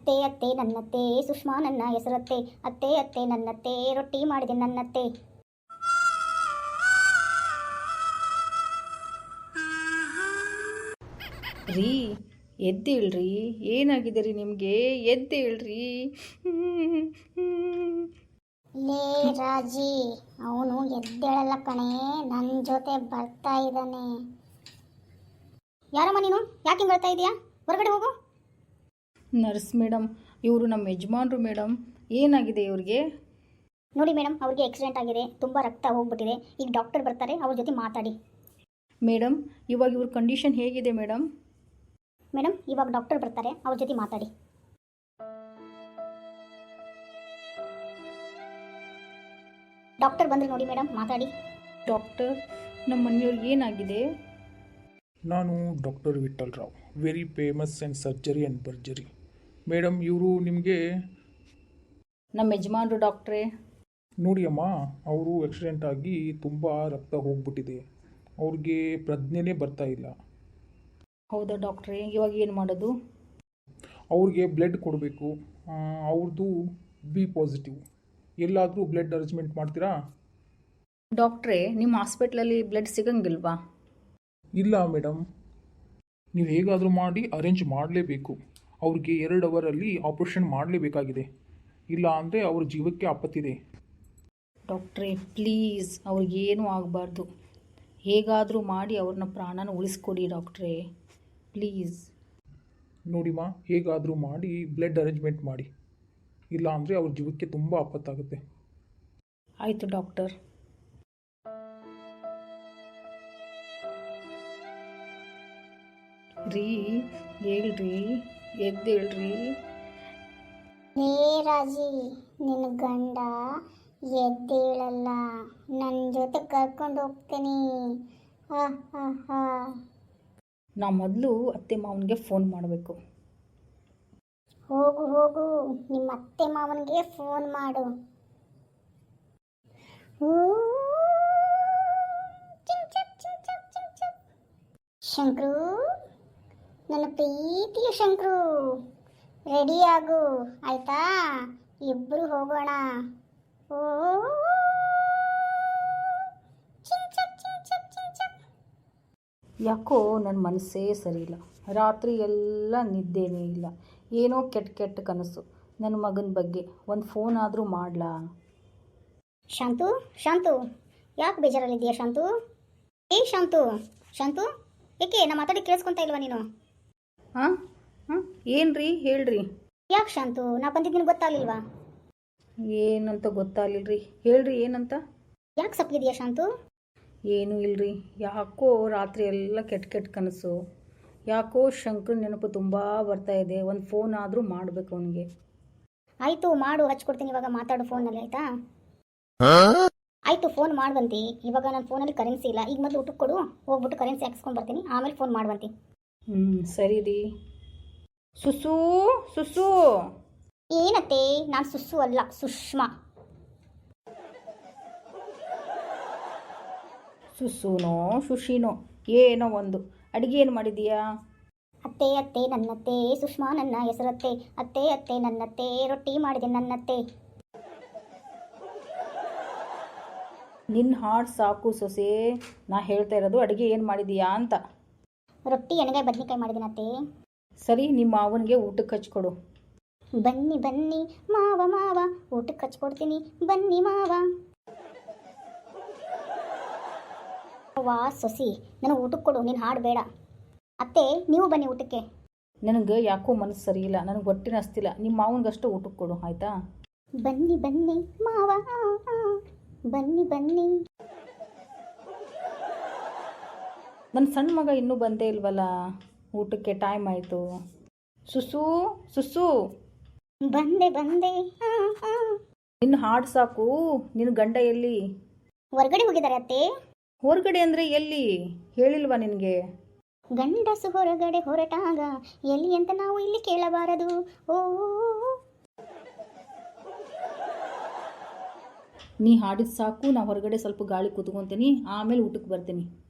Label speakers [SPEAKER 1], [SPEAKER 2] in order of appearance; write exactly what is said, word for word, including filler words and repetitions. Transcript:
[SPEAKER 1] ಅತ್ತೆ ಅತ್ತೆ ನನ್ನತ್ತೆ ಸುಷ್ಮಾ ನನ್ನ ಹೆಸರತ್ತೆ, ಅತ್ತೆ ಅತ್ತೆ ನನ್ನತ್ತೆ ರೊಟ್ಟಿ ಮಾಡಿದೆ ನನ್ನತ್ತೆ.
[SPEAKER 2] ರೀ ಎದ್ದೇಳ್ರಿ, ಏನಾಗಿದೆ ರೀ ನಿಮಗೆ? ಎದ್ದೇಳ್ರಿ.
[SPEAKER 1] ಲೇ ರಾಜಿ, ಅವನು ಎದ್ದೇಳಲ್ಲ ಕಣೆ, ನನ್ನ ಜೊತೆ ಬರ್ತಾ ಇದ್ದಾನೆ. ಯಾರಮ್ಮ ನೀನು? ಯಾಕೆ ಹಿಂಗೆ ಬರ್ತಾ ಇದೀಯಾ? ಹೊರಗಡೆ ಹೋಗು.
[SPEAKER 2] ನರ್ಸ್ ಮೇಡಮ್, ಇವರು ನಮ್ಮ ಯಜಮಾನ್ರು ಮೇಡಮ್. ಏನಾಗಿದೆ ಇವ್ರಿಗೆ?
[SPEAKER 1] ನೋಡಿ ಮೇಡಮ್, ಅವ್ರಿಗೆ ಆಕ್ಸಿಡೆಂಟ್ ಆಗಿದೆ, ತುಂಬ ರಕ್ತ ಹೋಗ್ಬಿಟ್ಟಿದೆ. ಈಗ ಡಾಕ್ಟರ್ ಬರ್ತಾರೆ, ಅವ್ರ ಜೊತೆ ಮಾತಾಡಿ.
[SPEAKER 2] ಮೇಡಮ್, ಇವಾಗ ಇವ್ರ ಕಂಡೀಷನ್ ಹೇಗಿದೆ ಮೇಡಮ್?
[SPEAKER 1] ಮೇಡಮ್, ಇವಾಗ ಡಾಕ್ಟರ್ ಬರ್ತಾರೆ, ಅವ್ರ ಜೊತೆ ಮಾತಾಡಿ. ಡಾಕ್ಟರ್ ಬಂದರೆ ನೋಡಿ ಮೇಡಮ್, ಮಾತಾಡಿ.
[SPEAKER 2] ಡಾಕ್ಟರ್, ನಮ್ಮ ಮನೆಯವ್ರಿಗೆ ಏನಾಗಿದೆ?
[SPEAKER 3] ನಾನು doctor Vittal Rao, very famous and surgery and ಬರ್ಜರಿ. ಮೇಡಮ್, ಇವರು ನಿಮಗೆ
[SPEAKER 2] ನಮ್ಮ ಯಜಮಾನ್ರು ಡಾಕ್ಟ್ರೇ.
[SPEAKER 3] ನೋಡಿ ಅಮ್ಮ, ಅವರು ಆಕ್ಸಿಡೆಂಟ್ ಆಗಿ ತುಂಬ ರಕ್ತ ಹೋಗ್ಬಿಟ್ಟಿದೆ, ಅವ್ರಿಗೆ ಪ್ರಜ್ಞೆನೇ ಬರ್ತಾ ಇಲ್ಲ.
[SPEAKER 2] ಹೌದಾ ಡಾಕ್ಟ್ರೇ, ಇವಾಗ ಏನು ಮಾಡೋದು?
[SPEAKER 3] ಅವ್ರಿಗೆ ಬ್ಲಡ್ ಕೊಡಬೇಕು. ಅವ್ರದ್ದು ಬಿ ಪಾಸಿಟಿವ್. ಎಲ್ಲಾದರೂ ಬ್ಲಡ್ ಅರೇಂಜ್ಮೆಂಟ್ ಮಾಡ್ತೀರಾ?
[SPEAKER 2] ಡಾಕ್ಟ್ರೇ, ನಿಮ್ಮ ಹಾಸ್ಪಿಟ್ಲಲ್ಲಿ ಬ್ಲಡ್ ಸಿಗಂಗಿಲ್ವಾ?
[SPEAKER 3] ಇಲ್ಲ ಮೇಡಮ್, ನೀವು ಹೇಗಾದರೂ ಮಾಡಿ ಅರೇಂಜ್ ಮಾಡಲೇಬೇಕು. ಅವ್ರಿಗೆ ಎರಡು ಅವರಲ್ಲಿ ಆಪ್ರೇಷನ್ ಮಾಡಲೇಬೇಕಾಗಿದೆ, ಇಲ್ಲ ಅಂದರೆ ಅವ್ರ ಜೀವಕ್ಕೆ ಆಪತ್ತಿದೆ.
[SPEAKER 2] ಡಾಕ್ಟ್ರೇ ಪ್ಲೀಸ್, ಅವ್ರಿಗೇನೂ ಆಗಬಾರ್ದು. ಹೇಗಾದರೂ ಮಾಡಿ ಅವ್ರನ್ನ ಪ್ರಾಣನ ಉಳಿಸ್ಕೊಡಿ ಡಾಕ್ಟ್ರೇ, ಪ್ಲೀಸ್.
[SPEAKER 3] ನೋಡಿಮ್ಮ, ಹೇಗಾದರೂ ಮಾಡಿ ಬ್ಲಡ್ ಅರೇಂಜ್ಮೆಂಟ್ ಮಾಡಿ, ಇಲ್ಲ ಅಂದರೆ ಅವ್ರ ಜೀವಕ್ಕೆ ತುಂಬ ಆಪತ್ತಾಗುತ್ತೆ.
[SPEAKER 2] ಆಯಿತು ಡಾಕ್ಟರ್. ರೀ ಹೇಳ್ರಿ, ಎದ್ದೇಳ್ರಿ.
[SPEAKER 1] ಹೇ ರಾಜಿ, ನಿನ್ನ ಗಂಡ ಎದ್ದೇಳಲ್ಲ, ನನ್ನ ಜೊತೆ ಕರ್ಕೊಂಡು ಹೋಗ್ತೀನಿ. ಹಾ ಹಾ ಹಾ.
[SPEAKER 2] ನಾ ಮೊದಲು ಅತ್ತೆ ಮಾವನಿಗೆ ಫೋನ್ ಮಾಡಬೇಕು.
[SPEAKER 1] ಹೋಗು ಹೋಗು, ನಿಮ್ಮ ಅತ್ತೆ ಮಾವನಿಗೆ ಫೋನ್ ಮಾಡು. ಹೂ, ಚಿಂಗ್ ಚಕ್, ಚಿಂಗ್ ಚಕ್, ಚಿಂಗ್ ಚಕ್. ಶಂಕ್ರು, ನನ್ನ ಪ್ರೀತಿಯ ಶಂಕ್ರು, ರೆಡಿ ಆಗು ಆಯ್ತಾ? ಇಬ್ಬರು ಹೋಗೋಣ. ಓ, ಚಿಂಗ್ ಚಕ್, ಚಿಂಗ್ ಚಕ್, ಚಿಂಗ್ ಚಕ್.
[SPEAKER 2] ಯಾಕೋ ನನ್ನ ಮನಸ್ಸೇ ಸರಿ ಇಲ್ಲ. ರಾತ್ರಿ ಎಲ್ಲ ನಿದ್ದೆನೇ ಇಲ್ಲ, ಏನೋ ಕೆಟ್ಟ ಕೆಟ್ಟ ಕನಸು ನನ್ನ ಮಗನ ಬಗ್ಗೆ. ಒಂದು ಫೋನ್ ಆದರೂ ಮಾಡಲಾ?
[SPEAKER 1] ಶಾಂತು, ಶಾಂತು, ಯಾಕೆ ಬೇಜಾರಲ್ಲಿದ್ದೀಯಾ ಶಾಂತು? ಏ ಶಾಂತು, ಶಾಂತು, ಏಕೆ ನಾ ಮಾತಾಡಿ ಕೇಳಿಸ್ಕೊತಾ ಇಲ್ವಾ ನೀನು?
[SPEAKER 2] ಹಾಂ ಹಾಂ ಏನು ರೀ, ಹೇಳ್ರಿ.
[SPEAKER 1] ಯಾಕೆ ಶಾಂತು, ನಾ ಬಂದಿದ್ದೀನಿ ಗೊತ್ತಾಗಲಿಲ್ವಾ?
[SPEAKER 2] ಏನಂತ ಗೊತ್ತಾಗಲಿಲ್ಲ ರೀ, ಹೇಳ್ರಿ ಏನಂತ.
[SPEAKER 1] ಯಾಕೆ ಸಪ್ಪಿದೆಯಾ ಶಾಂತು?
[SPEAKER 2] ಏನೂ ಇಲ್ಲರಿ, ಯಾಕೋ ರಾತ್ರಿ ಎಲ್ಲ ಕೆಟ್ಟ ಕೆಟ್ಟ ಕನಸು. ಯಾಕೋ ಶಂಕರ್ ನೆನಪು ತುಂಬ ಬರ್ತಾ ಇದೆ. ಒಂದು ಫೋನ್ ಆದರೂ ಮಾಡಬೇಕು ಅವನಿಗೆ.
[SPEAKER 1] ಆಯಿತು ಮಾಡು, ಹಚ್ಕೊಡ್ತೀನಿ ಇವಾಗ, ಮಾತಾಡು ಫೋನಲ್ಲಿ ಆಯಿತಾ? ಆಯಿತು, ಫೋನ್ ಮಾಡುವಂತಿ. ಇವಾಗ ನನ್ನ ಫೋನಲ್ಲಿ ಕರೆನ್ಸಿ ಇಲ್ಲ, ಈಗ ಮೊದಲು ಊಟಕ್ಕೆ ಕೊಡು, ಹೋಗ್ಬಿಟ್ಟು ಕರೆನ್ಸಿ ಹಾಕ್ಸ್ಕೊಂಡು ಬರ್ತೀನಿ, ಆಮೇಲೆ ಫೋನ್ ಮಾಡುವಂತಿ.
[SPEAKER 2] ಹ್ಞೂ ಸರಿ ರೀ. ಸುಸು ಸುಸು.
[SPEAKER 1] ಏನತ್ತೆ? ನಾನು ಸುಸ್ಸು ಅಲ್ಲ, ಸುಷ್ಮಾ.
[SPEAKER 2] ಸುಸುನೋ ಶುಶಿನೋ ಏನೋ ಒಂದು. ಅಡುಗೆ ಏನು ಮಾಡಿದೀಯಾ?
[SPEAKER 1] ಅತ್ತೆ ಅತ್ತೆ ನನ್ನತ್ತೆ ಸುಷ್ಮಾ ನನ್ನ ಹೆಸರತ್ತೆ, ಅತ್ತೆ ಅತ್ತೆ ನನ್ನತ್ತೆ ರೊಟ್ಟಿ ಮಾಡಿದೆ ನನ್ನತ್ತೆ.
[SPEAKER 2] ನಿನ್ನ ಹಾಡು ಸಾಕು ಸೊಸೆ, ನಾ ಹೇಳ್ತಾ ಇರೋದು ಅಡುಗೆ ಏನು ಮಾಡಿದೀಯಾ ಅಂತ.
[SPEAKER 1] ರೊಟ್ಟಿ ಎಣ್ಣೆಗಾಯಿ ಬದನೆಕಾಯಿ ಮಾಡಿದ್ದೀನಿ ಅತ್ತೆ.
[SPEAKER 2] ಸರಿ, ನಿಮ್ಮ ಮಾವನಿಗೆ ಊಟಕ್ಕೆ ಹಚ್ಕೊಡು.
[SPEAKER 1] ಬನ್ನಿ ಬನ್ನಿ ಮಾವ ಮಾವ, ಊಟಕ್ಕೆ ಹಚ್ಕೊಡ್ತೀನಿ, ಬನ್ನಿ ಮಾವ. ವಾ ಸೊಸಿ, ನನಗೆ ಊಟಕ್ಕೆ ಕೊಡು, ನೀನು ಹಾಡು ಬೇಡ. ಅತ್ತೆ ನೀವು ಬನ್ನಿ ಊಟಕ್ಕೆ.
[SPEAKER 2] ನನಗೆ ಯಾಕೋ ಮನಸ್ಸು ಸರಿ ಇಲ್ಲ, ನನಗೆ ಹೊಟ್ಟೆನ ಹಸ್ತಿಲ್ಲ. ನಿಮ್ಮ ಮಾವನಿಗಷ್ಟು ಊಟಕ್ಕೆ ಕೊಡು ಆಯಿತಾ?
[SPEAKER 1] ಬನ್ನಿ ಬನ್ನಿ ಮಾವ, ಆ, ಆ, ಬನ್ನಿ ಬನ್ನಿ.
[SPEAKER 2] ನನ್ನ ಸಣ್ಣ ಮಗ ಇನ್ನೂ ಬಂದೇ ಇಲ್ವಲ್ಲ, ಊಟಕ್ಕೆ ಟೈಮ್ ಆಯಿತು. ಸುಸು ಸುಸು.
[SPEAKER 1] ಬಂದೆ ಬಂದೆ. ಆ, ಆ.
[SPEAKER 2] ನಿನ್ನ ಹಾಡು ಸಾಕು, ನಿನ್ನ ಗಂಡ ಎಲ್ಲಿ?
[SPEAKER 1] ಹೊರಗಡೆ ಹೋಗಿದ್ದಾರೆ ಅತ್ತೆ.
[SPEAKER 2] ಹೊರಗಡೆ ಅಂದರೆ ಎಲ್ಲಿ ಹೇಳಿಲ್ವಾ ನಿನಗೆ?
[SPEAKER 1] ಗಂಡಸು ಹೊರಗಡೆ ಹೊರಟಾಗ ಎಲ್ಲಿ ಅಂತ ನಾವು ಇಲ್ಲಿ ಕೇಳಬಾರದು. ಓ,
[SPEAKER 2] ನೀ ಹಾಡಿದ ಸಾಕು, ನಾ ಹೊರಗಡೆ ಸ್ವಲ್ಪ ಗಾಳಿ ಕೂತ್ಕೊತೀನಿ, ಆಮೇಲೆ ಊಟಕ್ಕೆ ಬರ್ತೀನಿ.